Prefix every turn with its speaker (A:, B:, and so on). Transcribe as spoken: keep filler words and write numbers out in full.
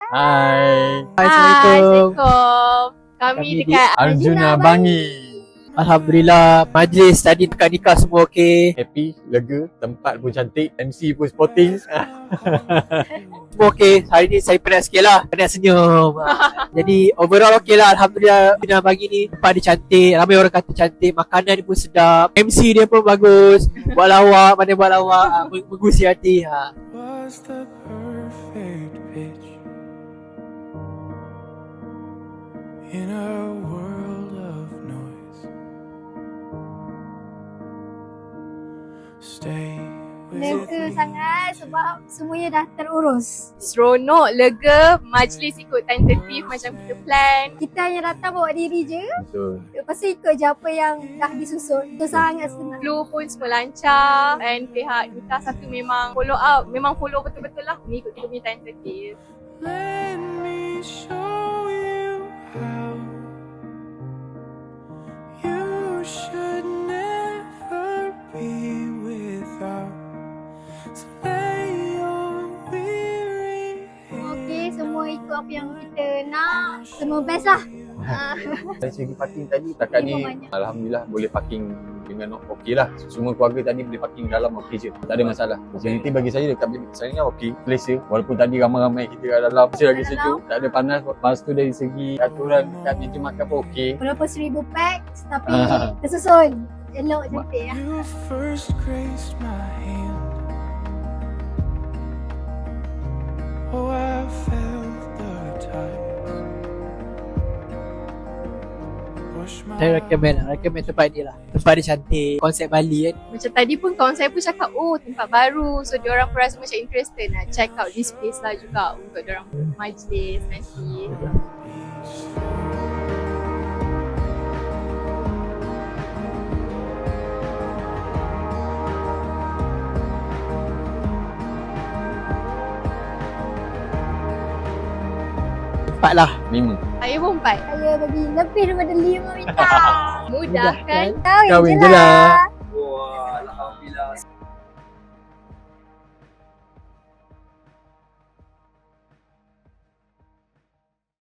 A: Hai.
B: Hai,
C: Assalamualaikum.
B: Assalamualaikum. Kami,
C: Kami di
B: dekat
A: Arjuna Bangi.
C: Alhamdulillah, majlis tadi dekat nikah semua okey.
A: Happy, lega, tempat pun cantik, M C pun sporting.
C: Semua okey. Hari ni saya penat sikit lah. Penat senyum. Ah, Jadi overall okey lah. Alhamdulillah. Bina Bangi ni tempat dia cantik. Ramai orang kata cantik. Makanan dia pun sedap. M C dia pun bagus. Buat lawak. Mana buat lawak. ah, Menggusi hati. Ha.
D: Was the perfect pitch in a world of noise. Stay with
E: Lega
D: me.
E: sangat sebab semuanya dah terurus.
B: seronok, lega, majlis ikut tentatif macam kita plan.
E: Kita hanya datang bawa diri je.
A: Betul.
E: Lepas tu ikut je apa yang dah disusun. Itu sangat senang.
B: Flow pun semua lancar and pihak nikah satu memang follow up, memang follow betul-betul lah mengikut kita punya tentatif.
D: Let me show you how you should never be without. So lay your weary
E: Okey, semua ikut apa yang kita nak. Semua best lah. Ah,
A: Dari segi parking tadi, takat ni
E: Banyak.
A: Alhamdulillah boleh parking dengan okey lah. Semua keluarga tadi boleh parking dalam okey je. Tak ada masalah. Jadi bagi saya dekat bilik saya ni okey. Selesa. Walaupun tadi ramai-ramai kita kat dalam, masih lagi
E: Dalam.
A: sejuk. Tak ada panas. Lepas tu dari segi aturan kat meja makan pun okey.
E: Walaupun seribu packs tapi
A: Ah.
E: tersusun. Elok cantik ya.
D: You first graced my hand. Oh, I felt the tide push my
C: Saya recommend lah. Recommend tempat ni lah. Tempat dia cantik. Konsep Bali kan.
B: Macam tadi pun kawan saya pun cakap, oh tempat baru. So diorang pun rasa macam interested nak check out this place lah juga untuk diorang majlis nanti.
C: Tempat lah.
A: Lima.
B: Saya pun empat.
E: Saya bagi lebih daripada lima bintang.
B: Mudah kan?
E: Kahwin,
A: Kahwin
E: je
A: je lah.
E: lah.
F: Wah, Alhamdulillah.